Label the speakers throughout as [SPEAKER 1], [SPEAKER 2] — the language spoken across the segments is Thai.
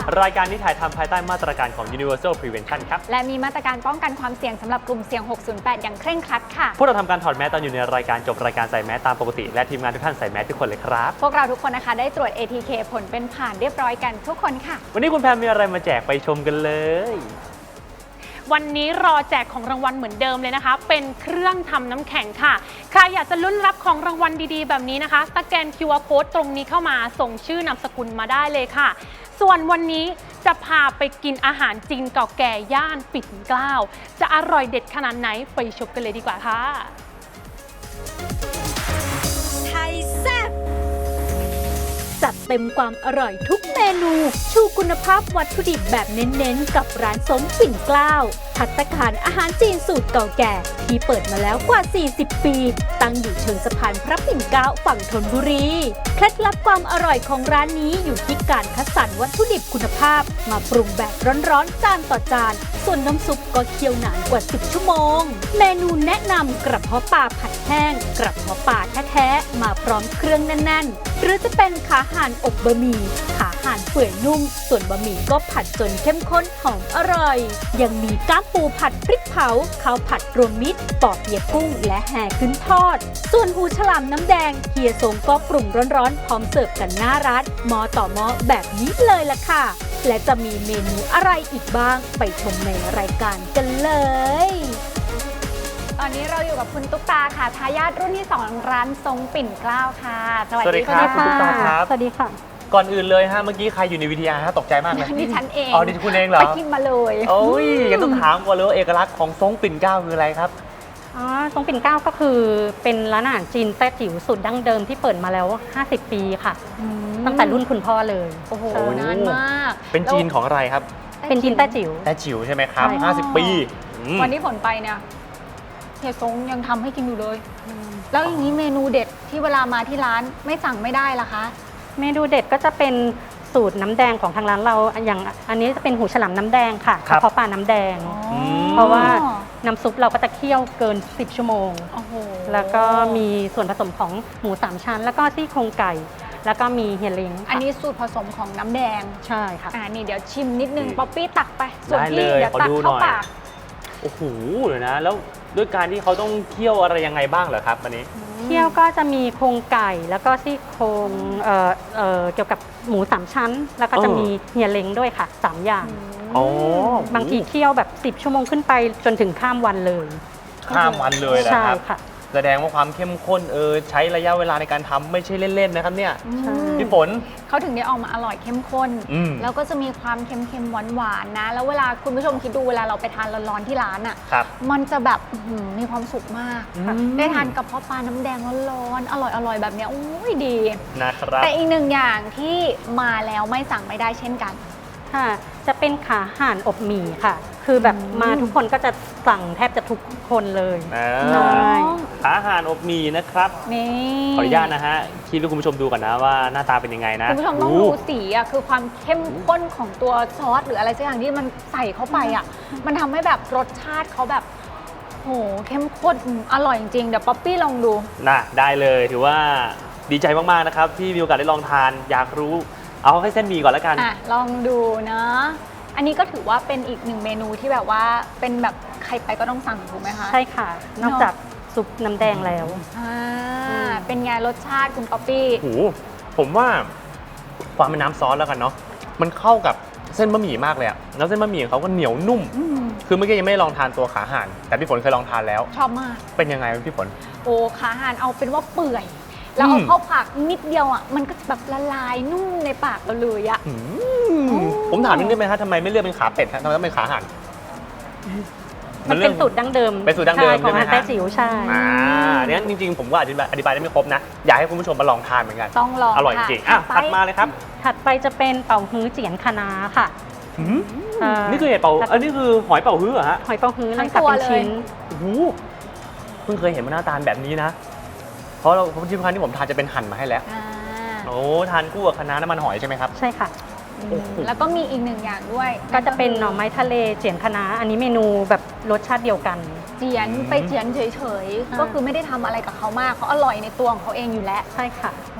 [SPEAKER 1] รายการนี้ถ่ายทำภายใต้มาตรการของ Universal Prevention ครับ
[SPEAKER 2] และมีมาตรการป้องกันความเสี่ยงสำหรับกลุ่มเสี่ยง 608 อย่างเคร่งครัดค่ะ
[SPEAKER 1] พวกเราทำการถอดแมสตอนอยู่ในรายการจบรายการใส่แมสตามปกติและทีมงานทุกท่านใส่แมสทุกคนเลยครับ
[SPEAKER 2] พวกเราทุกคนนะคะได้ตรวจ ATK ผลเป็นผ่านเรียบร้อยกันทุกคนค่ะ
[SPEAKER 1] วันนี้คุณแพมมีอะไรมาแจกไปชมกันเลย
[SPEAKER 3] วันนี้รอแจกของรางวัลเหมือนเดิมเลยนะคะเป็นเครื่องทำน้ำแข็งค่ะใครอยากจะลุ้นรับของรางวัลดีๆแบบนี้นะคะสแกน QR Code ตรงนี้เข้ามาส่งชื่อนามสกุลมาได้เลยค่ะส่วนวันนี้จะพาไปกินอาหารจีนเก่าแก่ย่านปิ่นเกล้าจะอร่อยเด็ดขนาดไหนไปชมกันเลยดีกว่าค่ะ
[SPEAKER 4] ไทยแซ่บจัดเต็มความอร่อยทุกเมนูชูคุณภาพวัตถุดิบแบบเน้นๆกับร้านสมปิ่นเกล้าภัตตาคารอาหารจีนสูตรเก่าแก่ที่เปิดมาแล้วกว่า 40 ปีตั้งอยู่เชิงสะพานพระปิ่นเกล้าฝั่งธนบุรีเคล็ดลับความอร่อยของร้านนี้อยู่ที่การคัดสรรวัตถุดิบคุณภาพมาปรุงแบบร้อนๆจานต่อจานส่วนน้ำซุปก็เคี่ยวนานกว่า 10 ชั่วโมงเมนูแนะนำกระเพาะปลาผัดแห้งกระเพาะปลาแท้ๆมาพร้อมเครื่องแน่นๆหรือจะเป็นขาห่านอบบะหมี่ขาห่านเปื่อยนุ่มส่วนบะหมี่ก็ผัดจนเข้มข้นหอมอร่อยยังมีก้ามปูผัดพริกเผาข้าวผัดรวมมิตรปอเปี๊ยะกุ้งและแห่ขึ้นทอดส่วนหูฉลามน้ำแดงเฮียสงก็ปรุงร้อนๆพร้อมเสิร์ฟกันหน้าร้านหม้อต่อหม้อแบบนี้เลยล่ะค่ะและจะมีเมนูอะไรอีกบ้างไปชมในรายการกันเลย
[SPEAKER 2] ตอนนี้เราอยู่กับคุณตุ๊กตาค่ะทายาทรุ่นที่2ร้านทรงปิ่นเกล้าค่ะ
[SPEAKER 1] สวัสดีครับคุณตุ๊กตาครับ
[SPEAKER 4] สวัสดีค่ะ
[SPEAKER 1] ก่อนอื่นเลยฮะเมื่อกี้ใครอยู่ในวิทยาฮะตกใจมากเลย
[SPEAKER 2] ดิฉันเอง
[SPEAKER 1] อ๋อดิคุณเองเหรอ
[SPEAKER 2] ไปกินมาเลย
[SPEAKER 1] โอ้ยงั้นต้องถามก่อนเลยว่าเอกลักษณ์ของทรงปิ่นเกล้าคืออะไรครับ
[SPEAKER 5] ทรงปิ่นเกล้าก็คือเป็นร้านอาหารจีนแต้จิ๋วสูตรดั้งเดิมที่เปิดมาแล้ว50 ปีค่ะตั้งแต่รุ่นคุณพ่อเลย
[SPEAKER 2] โอ้โหนานมาก
[SPEAKER 1] เป็นจีนของอะไรครับ
[SPEAKER 5] เป็นจีนแต้จิ๋ว
[SPEAKER 1] แต้จิ๋วใช่ไหมครับ50 ปี
[SPEAKER 2] วันที่ผลไปเนี่ยเฮียซงยังทำให้กินอยู่เลยแล้วอย่างนี้เมนูเด็ดที่เวลามาที่ร้านไม่สั่งไม่ได้ล่ะคะ
[SPEAKER 5] เมนูเด็ดก็จะเป็นสูตรน้ำแดงของทางร้านเราอย่างอันนี้จะเป็นหูฉลามน้ำแดงค่ะกระเพาะปลาน้ำแดงเพราะว่าน้ำซุปเราก็จะเคี่ยวเกิน10 ชั่วโมงแล้วก็มีส่วนผสมของหมู3 ชั้นแล้วก็ซี่โครงไก่แล้วก็มีเฮียลิง
[SPEAKER 2] อันนี้สูตรผสมของน้ำแดง
[SPEAKER 5] ใช่ค่ะ
[SPEAKER 2] นี่เดี๋ยวชิมนิดนึงป๊อปปี้ตักไปส่วนพี่เดี๋ยวตักเข้าปาก
[SPEAKER 1] โอ้โหเลยนะแล้วด้วยการที่เขาต้องเคี่ยวอะไรยังไงบ้างเหรอครับอันนี้
[SPEAKER 5] เคี่ยวก็จะมีโครงไก่แล้วก็ซี่โครงเกี่ยวกับหมู3 ชั้นแล้วก็จะมีเฮียเล้งด้วยค่ะ3 อย่างบางทีเคี่ยวแบบ10 ชั่วโมงขึ้นไปจนถึงข้ามวันเลย
[SPEAKER 1] ข้ามวันเลยนะครับ
[SPEAKER 5] ใช่ค่ะ
[SPEAKER 1] แสดงว่าความเข้มข้นใช้ระยะเวลาในการทำไม่ใช่เล่นๆนะครับเนี่ยพี่ฝน
[SPEAKER 2] เขาถึงได้ออกมาอร่อยเข้มข้นแล้วก็จะมีความเค็มๆหวานๆนะแล้วเวลาคุณผู้ชมคิดดูเวลาเราไปทานร้อนๆที่ร้านอ่ะมันจะแบบมีความสุขมากได้ทานกระเพาะปลาน้ำแดงร้อนๆอร่อยๆแบบนี้โอ้ยดี
[SPEAKER 1] นะครับ
[SPEAKER 2] แต่อีกหนึ่งอย่างที่มาแล้วไม่สั่งไม่ได้เช่นกัน
[SPEAKER 5] ค่ะจะเป็นขาห่านอบหมี่ค่ะคือแบบมาทุกคนก็จะสั่งแทบจะทุกคนเลย
[SPEAKER 1] ขาห่านอบหมี่นะครับขออนุญาตนะฮะคิดให้คุณผู้ชมดูก่อนนะว่าหน้าตาเป็นยังไงนะ
[SPEAKER 2] คุณผู้ชมต้องดูสีอ่ะคือความเข้มข้นของตัวซอสหรืออะไรสักอย่างที่มันใส่เข้าไปอ่ะมันทำให้แบบรสชาติเขาแบบโหเข้มข้นอร่อยจริงๆเดี๋ยวป๊อปปี้ลองดู
[SPEAKER 1] นะได้เลยถือว่าดีใจมากๆนะครับที่มีโอกาสได้ลองทานอยากรู้เอาให้เส้นหมี่ก่อนแล้วกัน
[SPEAKER 2] ลองดูนะอันนี้ก็ถือว่าเป็นอีกหนึ่งเมนูที่แบบว่าเป็นแบบใครไปก็ต้องสั่งถูกไหมคะ
[SPEAKER 5] ใช่ค่ะนอกจากซุปน้ำแดงแล้ว
[SPEAKER 2] เป็นไงรสชาติคุณป๊อปปี้
[SPEAKER 1] โอ้ผมว่าความเป็นน้ำซอสแล้วกันเนาะมันเข้ากับเส้นบะหมี่มากเลยอะแล้วเส้นบะหมี่ของเขาก็เหนียวนุ่มคือเมื่อกี้ยังไม่ลองทานตัวขาห่านแต่พี่ฝนเคยลองทานแล้ว
[SPEAKER 2] ชอบมาก
[SPEAKER 1] เป็นยังไงพี่ฝน
[SPEAKER 2] โอ้ขาห่านเอาเป็นว่าเปื่อยแล้วเอาเข้าปากนิดเดียวอ่ะมันก็แบบละลายนุ่มในปากเราเลยอ่ะ
[SPEAKER 1] ผมถามนิดนึงไหมฮะทำไมไม่เลือกเป็นขาเป็ดฮะทำไมต้องเป็นขาห่าน
[SPEAKER 5] มันเป็นสูตรดั้งเดิม
[SPEAKER 1] เป็นสูตรดั้งเดิม
[SPEAKER 5] ของแต้จิ๋วใช่
[SPEAKER 1] เนี่ยจริงๆผมก็อธิบายได้ไม่ครบนะอยากให้คุณผู้ชมมาลองทานเหมือนกัน
[SPEAKER 2] ต้องลอง
[SPEAKER 1] อร่อยจริงถัดมาเลยครับ
[SPEAKER 5] ถัดไปจะเป็นเป่าฮื้อเจียนคะน้าค่ะ
[SPEAKER 1] นี่คือเห็ดเป่าอันนี้คือหอยเป่าฮื้อเหรอฮะ
[SPEAKER 5] หอยเป่าฮื้อเลยค่ะเป็นชิ้น
[SPEAKER 1] โอ้โหเพิ่งเคยเห็นมาหน้าตาแบบนี้นะเพราะที่ครั้งที่ผมทานจะเป็นหั่นมาให้แล้วโอ้ทานคู่กับคะน้าน้ำมันหอยใช่ไหมครับ
[SPEAKER 5] ใช่ค่ะ
[SPEAKER 2] แล้วก็มีอีกหนึ่งอย่างด้วย
[SPEAKER 5] ก็จะเป็นหน่อไม้ทะเลเจียนคะน้าอันนี้เมนูแบบรสชาติเดียวกัน
[SPEAKER 2] เจียนไปเจียนเฉยๆก็คือไม่ได้ทำอะไรกับเขามากเขาอร่อยในตัวของเขาเองอยู่แล้ว
[SPEAKER 5] ใช่ค่ะ
[SPEAKER 1] โอ้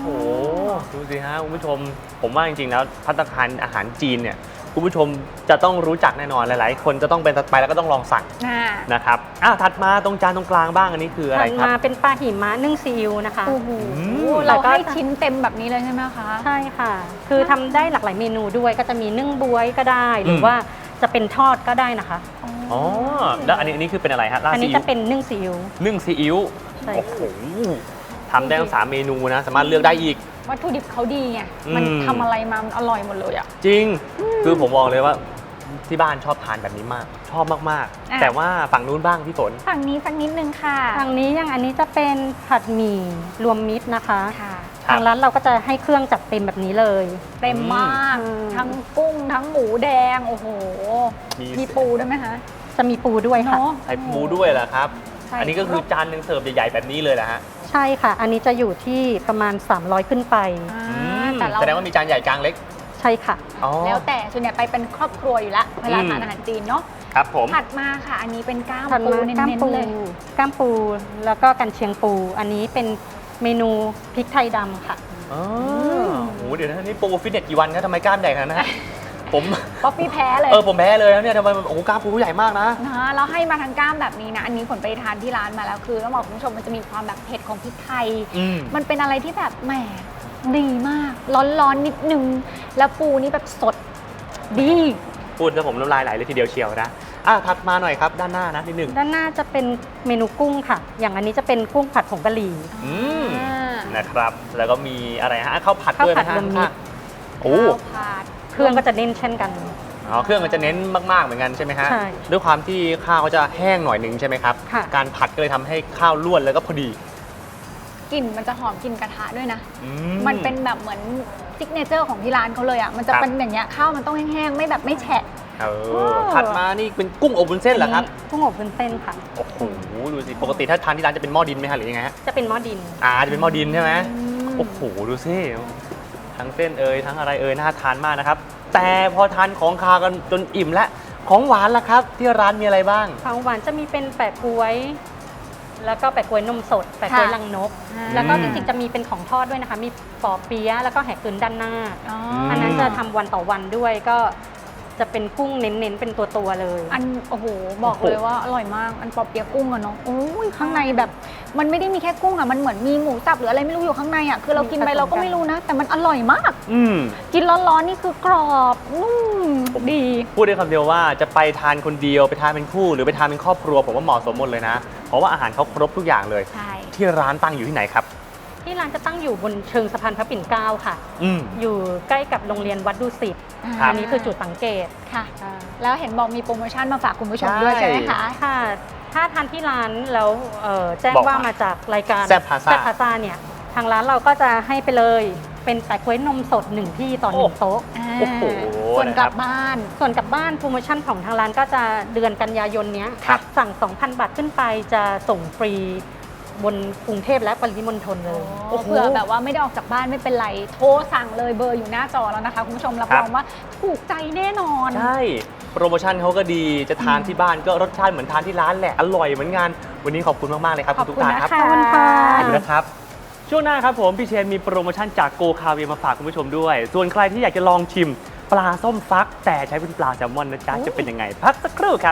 [SPEAKER 1] ดูสิฮะคุณผู้ชมผมว่าจริงๆแล้วภัตตาคารอาหารจีนเนี่ยคุณผู้ชมจะต้องรู้จักแน่นอนหลายๆคนจะต้องเป็นไปแล้วก็ต้องลองสั่งนะครับถัดมาตรงจานตรงกลางบ้างอันนี้คืออะไรครับ
[SPEAKER 5] ถัดมาเป็นปลาหิมะนึ่งซีอิ๊วนะคะ
[SPEAKER 2] โอ้โหเราให้ชิ้นเต็มแบบนี้เลยใช่ไหมคะ
[SPEAKER 5] ใช่ค่ะ คือทำได้หลากหลายเมนูด้วยก็จะมีนึ่งบ๊วยก็ได้หรือว่าจะเป็นทอดก็ได้นะคะ
[SPEAKER 1] อ๋อแล้วอันนี้คือเป็นอะไรฮะราดซีอิ๊ว
[SPEAKER 5] อันนี้จะเป็นนึ่งซีอิ๊ว
[SPEAKER 1] นึ่งซีอิ๊วโอ้โหทำได้ทั้ง3เมนูนะสามารถเลือกได้อีก
[SPEAKER 2] วัตถุดิบเขาดีไงมันทำอะไรมามันอร่อยหมดเลยอ่ะ
[SPEAKER 1] จริงคือผมบอกเลยว่าที่บ้านชอบทานแบบนี้มากชอบมากๆแต่ว่าฝั่งนู้นบ้างพี่ฝน
[SPEAKER 2] ฝั่งนี้สักนิดนึงค่ะ
[SPEAKER 5] ฝั่งนี้อย่างอันนี้จะเป็นผัดหมี่รวมมิตรนะคะทางร้านเราก็จะให้เครื่องจัดเต็มแบบนี้เลย
[SPEAKER 2] เต็มมากทั้งกุ้งทั้งหมูแดงโอ้โหมีปูด้วยไหมคะ
[SPEAKER 5] จะมีปูด้วยค่ะ
[SPEAKER 1] ใส่ปูด้วยเหรอครับอันนี้ก็คือจานหนึ่งเสิร์ฟใหญ่ๆแบบนี้เลยแหละฮะ
[SPEAKER 5] ใช่ค่ะอันนี้จะอยู่ที่ประมาณ300ขึ้นไป
[SPEAKER 1] แสดงว่ามีจานใหญ่กลางเล็ก
[SPEAKER 5] ใช่ค่ะ
[SPEAKER 2] แล้วแต่ส่วนใหญ่ไปเป็นครอบครัวอยู่ละเวลาทานอาหารจีนเนาะ
[SPEAKER 1] ครับผม
[SPEAKER 2] ถัดมาค่ะอันนี้เป็นก้ามปูเน้นๆเลย
[SPEAKER 5] ก้ามปูแล้วก็กันเชียงปูอันนี้เป็นเมนูพริกไทยดำค่ะ
[SPEAKER 1] อ๋อโหเดี๋ยวนะนี่ปูฟิตเนสกี่วันครับทำไมกล้ามใหญ่ขนาดนั้นผม
[SPEAKER 2] ป๊อปปี้แพ้เลย
[SPEAKER 1] ผมแพ้เลยแล้วเนี่ยทำไมโอ้โหกล้ามปูใหญ่มากนะ
[SPEAKER 2] เราให้มาทั้งกล้ามแบบนี้นะอันนี้ผลไปทานที่ร้านมาแล้วคือต้องบอกคุณผู้ชมมันจะมีความแบบเผ็ดของพริกไทยมันเป็นอะไรที่แบบแหมดีมากร้อนๆนิดนึงแล้วปูนี่แบบสดดี
[SPEAKER 1] พูดแล้วผมน้ำลายไหลเลยทีเดียวเชียวนะถัดมาหน่อยครับด้านหน้านะนิดนึง
[SPEAKER 5] ด้านหน้าจะเป็นเมนูกุ้งค่ะอย่างอันนี้จะเป็นกุ้งผัดผงกะหรี่
[SPEAKER 1] นะครับแล้วก็มีอะไรฮะข้าวผัดด้วยนะฮะ
[SPEAKER 2] โอ้
[SPEAKER 5] เครื่องก็จะเน้นเช่นกัน
[SPEAKER 1] เครื่องมันจะเน้นมากๆเหมือนกันใช่ไหมฮะด้วยความที่ข้าวเขาจะแห้งหน่อยหนึ่งใช่ไหมครับการผัดก็เลยทำให้ข้าวล้วนแล้วก็พอดี
[SPEAKER 2] กลิ่นมันจะหอมกลิ่นกระทะด้วยนะมันเป็นแบบเหมือนซิกเนเจอร์ของที่ร้านเขาเลยอ่ะมันจะเป็นอย่างเงี้ยข้าวมันต้องแห้งๆไม่แบบไม่แฉะ
[SPEAKER 1] ถัดมานี่เป็นกุ้งอบวุ้นเส้นเหรอครับ
[SPEAKER 5] กุ้งอบวุ้นเส้นค่ะ
[SPEAKER 1] โอ้โหดูสิปกติถ้าทานที่ร้านจะเป็นหม้อดินไหมฮะหรือยังไงฮะ
[SPEAKER 5] จะเป็นหม้อดิน
[SPEAKER 1] จะเป็นหม้อดินใช่ไหมโอ้โหดูสิทั้งเส้นทั้งอะไรน่าทานมากนะครับแต่พอทานของคาวกันจนอิ่มแล้วของหวานล่ะครับที่ร้านมีอะไรบ้าง
[SPEAKER 5] ของหวานจะมีเป็นแปะก๊วยแล้วก็แปะก๊วยนมสดแปะก๊วยลังนกแล้วก็จริงๆจะมีเป็นของทอดด้วยนะคะมีปอเปี๊ยะแล้วก็แหกกึนด้านหน้าอันนั้นจะทำวันต่อวันด้วยก็จะเป็นกุ้งเน้นๆเป็นตัวๆเลย
[SPEAKER 2] โอ้โหบอกเลยว่าอร่อยมากปอเปี๊ยะกุ้งอะเนาะโอ้ยข้างในแบบมันไม่ได้มีแค่กุ้งอะมันเหมือนมีหมูสับหรืออะไรไม่รู้อยู่ข้างในอะคือเรากินไปเราก็ไม่รู้นะแต่มันอร่อยมากกินร้อนๆนี่คือกรอบนุ่มดี
[SPEAKER 1] พูดได้คำเดียวว่าจะไปทานคนเดียวไปทานเป็นคู่หรือไปทานเป็นครอบครัวผมว่าเหมาะสมหมดเลยนะเพราะว่าอาหารเขาครบทุกอย่างเลยที่ร้านตั้งอยู่ที่ไหนครับ
[SPEAKER 5] ที่ร้านจะตั้งอยู่บนเชิงสะพานพระปิ่นเกล้าค่ะอยู่ใกล้กับโรงเรียนวัดดุสิตอันนี้คือจุดสังเกต
[SPEAKER 2] ค่ะแล้วเห็นบอกมีโปรโมชั่นมาฝากคุณผู้ชมด้วยใช่ไหมคะ
[SPEAKER 5] ค่ะถ้าทานที่ร้านแล้วแจ้งว่ามาจากรายการ
[SPEAKER 1] แซ่บพา
[SPEAKER 5] ซ่าเนี่ยทางร้านเราก็จะให้ไปเลยเป็นแปะก๊วยนมสด1ที่ต่อ1โต๊ะ
[SPEAKER 2] ส่วนกลับบ้าน
[SPEAKER 5] โปรโมชั่นของทางร้านก็จะเดือนกันยายนนี้สั่ง 2,000 บาทขึ้นไปจะส่งฟรีบนกรุงเทพและปริมณฑลเลย
[SPEAKER 2] เผื่อแบบว่าไม่ได้ออกจากบ้านไม่เป็นไรโทรสั่งเลยเบอร์อยู่หน้าจอแล้วนะคะคุณผู้ชมรับรองว่าถูกใจแน่นอน
[SPEAKER 1] ใช่โปรโมชั่นเขาก็ดีจะทานที่บ้านก็รสชาติเหมือนทานที่ร้านแหละอร่อยเหมือนกันวันนี้ขอบคุณมากๆเลยครับคุณตุ๊กตาครับ
[SPEAKER 2] ขอบคุณค่ะ
[SPEAKER 1] ขอบคุณนะครับช่วงหน้าครับผมพี่เชนมีโปรโมชั่นจากโกคาเวียมาฝากคุณผู้ชมด้วยส่วนใครที่อยากจะลองชิมปลาส้มฟักแต่ใช้เป็นปลาแซลมอนนะจ๊ะจะเป็นยังไงพักสักครู่ครับ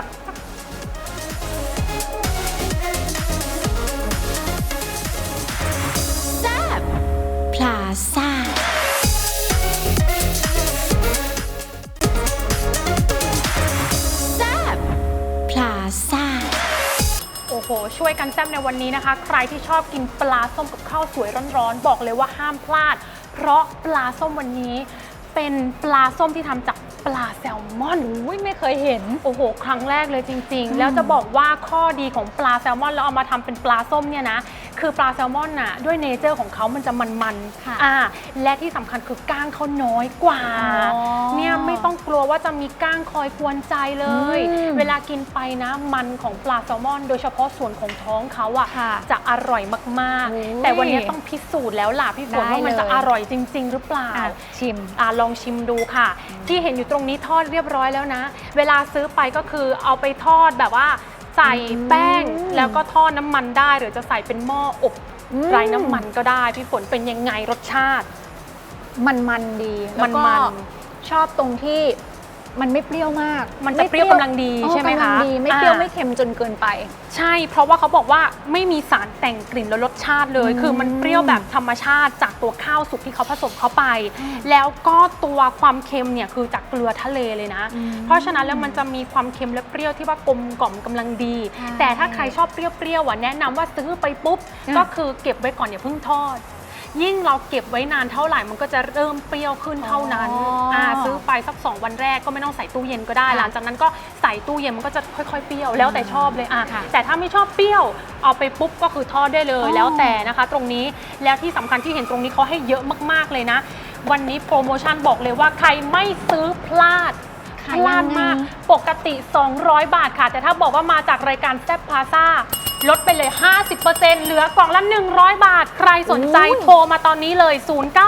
[SPEAKER 4] พลาซ่าแซ่บพลาซ่า
[SPEAKER 3] โอ้โหช่วยกันแซ่บในวันนี้นะคะใครที่ชอบกินปลาส้มกับข้าวสวยร้อนๆบอกเลยว่าห้ามพลาดเพราะปลาส้มวันนี้เป็นปลาส้มที่ทำจากปลาแซลมอน
[SPEAKER 2] ไม่เคยเห็น
[SPEAKER 3] โอ้โหครั้งแรกเลยจริงๆแล้วจะบอกว่าข้อดีของปลาแซลมอนแล้วเอามาทำเป็นปลาส้มเนี่ยนะคือปลาแซลมอนน่ะด้วยเนเจอร์ของเขามันจะมันๆและที่สำคัญคือก้างเขาน้อยกว่าเนี่ยไม่ต้องกลัวว่าจะมีก้างคอยกวนใจเลยเวลากินไปนะมันของปลาแซลมอนโดยเฉพาะส่วนของท้องเขาอะจะอร่อยมากๆแต่วันนี้ต้องพิสูจน์แล้วล่ะพี่ฝนว่ามันจะอร่อยจริงๆหรือเปล่า
[SPEAKER 2] ชิม
[SPEAKER 3] ลองชิมดูค่ะที่เห็นอยู่ตรงนี้ทอดเรียบร้อยแล้วนะเวลาซื้อไปก็คือเอาไปทอดแบบว่าใส่แป้งแล้วก็ทอดน้ำมันได้หรือจะใส่เป็นหม้ออบไร้น้ำมันก็ได้พี่ฝนเป็นยังไงรสชาติ
[SPEAKER 2] มันดีแล้วก็
[SPEAKER 3] มัน
[SPEAKER 2] ชอบตรงที่มันไม่เปรี้ยวมาก
[SPEAKER 3] มันจะเปรี้ยวกำลังดีใช่ไหมคะ
[SPEAKER 2] กำลังดีไม่เปรี้ยวไม่เค็มจนเกินไป
[SPEAKER 3] ใช่เพราะว่าเขาบอกว่าไม่มีสารแต่งกลิ่นและรสชาติเลย คือมันเปรี้ยวแบบธรรมชาติจากตัวข้าวสุกที่เขาผสมเข้าไป แล้วก็ตัวความเค็มเนี่ยคือจากเกลือทะเลเลยนะ เพราะฉะนั้นแล้วมันจะมีความเค็มและเปรี้ยวที่ว่ากลมกล่อมกำลังดี
[SPEAKER 2] ใช่
[SPEAKER 3] แต่ถ้าใครชอบเปรี้ยวๆแนะนำว่าซื้อไปปุ๊บก็คือเก็บไว้ก่อนอย่าเพิ่งทอด ยิ่งเราเก็บไว้นานเท่าไหร่มันก็จะเริ่มเปรี้ยวขึ้นเท่านั้นซื้อไปสัก2 วันแรกก็ไม่ต้องใส่ตู้เย็นก็ได้ หลังจากนั้นก็ใส่ตู้เย็นมันก็จะค่อยๆเปรี้ยวแล้วแต่ชอบเลยแต่ถ้าไม่ชอบเปรี้ยวเอาไปปุ๊บก็คือทอดได้เลยแล้วแต่นะคะตรงนี้แล้วที่สำคัญที่เห็นตรงนี้เขาให้เยอะมากๆเลยนะ วันนี้โปรโมชั่นบอกเลยว่าใครไม่ซื้อพลาด พลาดมากปกติ 200 บาทค่ะแต่ถ้าบอกว่ามาจากรายการแซ่บพาซ่าลดไปเลย 50% เหลือกล่องละ 100 บาท ใครสนใจโทรมาตอนนี้เลย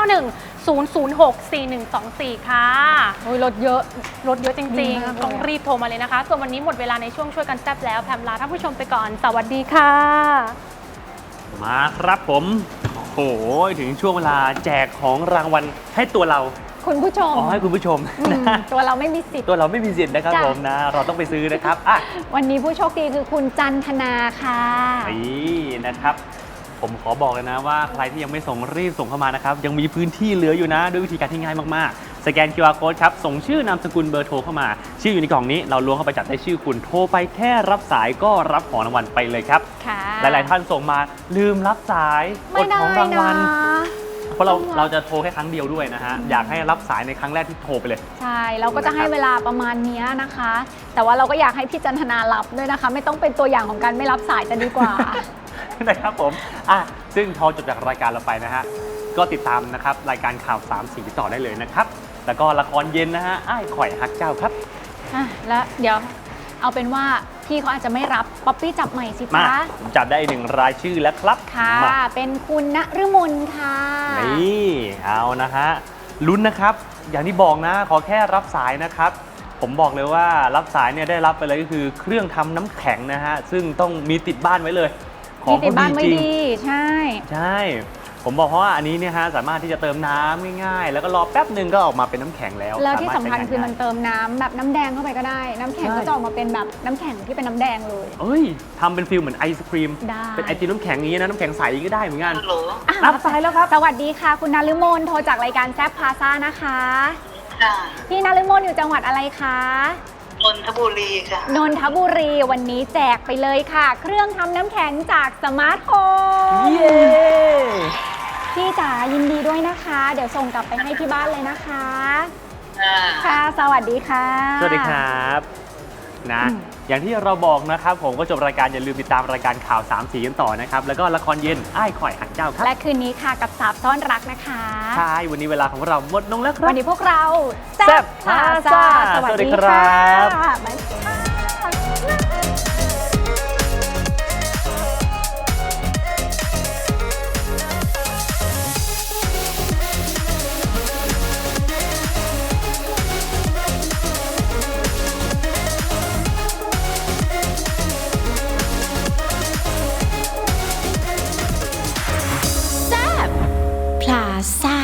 [SPEAKER 3] 091-006-4124 ค่ะ
[SPEAKER 2] โอ้ยลดเยอะ
[SPEAKER 3] ลดเยอะจ
[SPEAKER 2] ดี
[SPEAKER 3] ริง
[SPEAKER 2] มากเลย
[SPEAKER 3] ๆ ต้องรีบโทรมาเลยนะคะ ส่วนวันนี้หมดเวลาในช่วงช่วยกันแซ่บแล้วแพมลาท่านผู้ชมไปก่อน สวัสดีค่ะ
[SPEAKER 1] มาครับผมโอ้โหถึงช่วงเวลาแจกของรางวัลให้ตัวเรา
[SPEAKER 2] คุณผู้ชม
[SPEAKER 1] อ๋อให้คุณผู้ชม
[SPEAKER 2] อืม
[SPEAKER 1] นะ
[SPEAKER 2] ตัวเราไม่มีสิทธิ์
[SPEAKER 1] ตัวเราไม่มีสิทธิ์นะครับ
[SPEAKER 2] จ้ะ
[SPEAKER 1] ผมนะ เราต้องไปซื้อนะครับอ่ะ
[SPEAKER 2] วันนี้ผู้โชคดีคือคุณจันทนาค่ะ
[SPEAKER 1] นี่นะครับ ผมขอบอกเลยนะว่าใครที่ยังไม่ส่งรีบส่งเข้ามานะครับ ยังมีพื้นที่เหลืออยู่นะ ด้วยวิธีการที่ง่ายมากๆ สแกน QR Code ครับ ส่งชื่อนามสกุลเบอร์โทรเข้ามา ชื่ออยู่ในกล่องนี้เราล้วงเข้าไปจับได้ชื่อคุณโทรไปแค่รับสายก็รับของรางวัลไปเลยครับ
[SPEAKER 2] ค่ะ
[SPEAKER 1] หลายๆท่านส่งมาลืมรับสายอ
[SPEAKER 2] ไม่
[SPEAKER 1] ด
[SPEAKER 2] ได้
[SPEAKER 1] ของรางวัล
[SPEAKER 2] นะ
[SPEAKER 1] เพราะเราจะโทรแค่ครั้งเดียวด้วยนะฮะ อยากให้รับสายในครั้งแรกที่โทรไปเลย
[SPEAKER 2] ใช่เราก็จะให้เวลาประมาณเนี้ยนะคะ แต่ว่าเราก็อยากให้พี่จันทนารับด้วยนะคะ ไม่ต้องเป็นตัวอย่างของการไม่รับสายจะดีกว่า
[SPEAKER 1] นะครับผมซึ่งพอจบจากรายการเราไปนะฮะ ก็ติดตามนะครับรายการข่าว3สีต่อได้เลยนะครับ แล้วก็ละครเย็นนะฮะอ้ายข่อยฮักเจ้าครับ
[SPEAKER 2] แล้วเดี๋ยวเอาเป็นว่าพี่เขาอาจจะไม่รับป๊อปปี้จับใหม่สิ
[SPEAKER 1] มา
[SPEAKER 2] จ๊ะ
[SPEAKER 1] ผมจับได้อีก1 รายชื่อแล้วครับ
[SPEAKER 2] ค่ะ
[SPEAKER 1] มา
[SPEAKER 2] เป็นคุณณฤมลค่ะ
[SPEAKER 1] นี่เอานะฮะลุ้นนะครับ อย่างที่บอกนะ ขอแค่รับสายนะครับ ผมบอกเลยว่ารับสายเนี่ยได้รับไปเลยก็คือเครื่องทำน้ำแข็งนะฮะ ซึ่งต้องมีติดบ้านไว้เลย ของ
[SPEAKER 2] มีติด
[SPEAKER 1] เขา
[SPEAKER 2] บ้าน
[SPEAKER 1] ดี
[SPEAKER 2] ไม่
[SPEAKER 1] จริง
[SPEAKER 2] ดีใช่
[SPEAKER 1] ใช่ ผมบอกเพราะว่าอันนี้เนี่ยฮะสามารถที่จะเติมน้ำง่ายๆ แล้วก็รอแป๊บหนึ่งก็ออกมาเป็นน้ำแข็งแล้ว
[SPEAKER 2] แล้วที่สำคัญ
[SPEAKER 1] ารถใช้งา
[SPEAKER 2] คือมัน
[SPEAKER 1] ได้
[SPEAKER 2] เติมน้ำแบบน้ำแดงเข้าไปก็ได้ น้ำแข็ง
[SPEAKER 1] ใช่
[SPEAKER 2] ก็จะออกมาเป็นแบบน้ำแข็งที่เป็นน้ำแดงเลย
[SPEAKER 1] เอ้ยทำเป็นฟิลเหมือนไอศครีม
[SPEAKER 2] ได้
[SPEAKER 1] เป็นไอติมน้ำแข็งอย่างนี้นะน้ำแข็งใสก็ได้เหมือนกัน
[SPEAKER 6] ฮัลโหล
[SPEAKER 1] รับสายแล้วครับ
[SPEAKER 2] สวัสดีค่ะ คุณนฤมลโทรจากรายการแซฟพาซ่านะคะ
[SPEAKER 6] ค่ะ
[SPEAKER 2] พี่นฤมลอยู่จังหวัดอะไรคะ
[SPEAKER 6] นนทบุรีค่ะ
[SPEAKER 2] นนทบุรีวันนี้แจกไปเลยค่ะ เครื่องทำน้ำแข็งจากสมาร์ทโฮม
[SPEAKER 1] เย้
[SPEAKER 2] พี่จ๋ายินดีด้วยนะคะ เดี๋ยวส่งกลับไปให้ที่บ้านเลยนะคะ
[SPEAKER 6] อ่า
[SPEAKER 2] ค่ะ สวัสดีค่ะ
[SPEAKER 1] สวัสดีครับนะอย่างที่เราบอกนะครับผมก็จบรายการอย่าลืมติดตามรายการข่าว3สีกันต่อนะครับแล้วก็ละครเย็นอ้ายข่อยหักเจ้าครับ
[SPEAKER 2] และคืนนี้ค่ะกับสาบซ่อนรักนะคะ
[SPEAKER 1] ใช่วันนี้เวลาของเราหมดลงแล้วครับ
[SPEAKER 2] วันนี้พวกเรา
[SPEAKER 1] แซ่บพาซ่า
[SPEAKER 2] สวัส
[SPEAKER 1] สวัสดี
[SPEAKER 2] ดี
[SPEAKER 1] ครั
[SPEAKER 2] ค่ะ
[SPEAKER 1] บ
[SPEAKER 2] บ๊ายบาย
[SPEAKER 4] พลาซ่า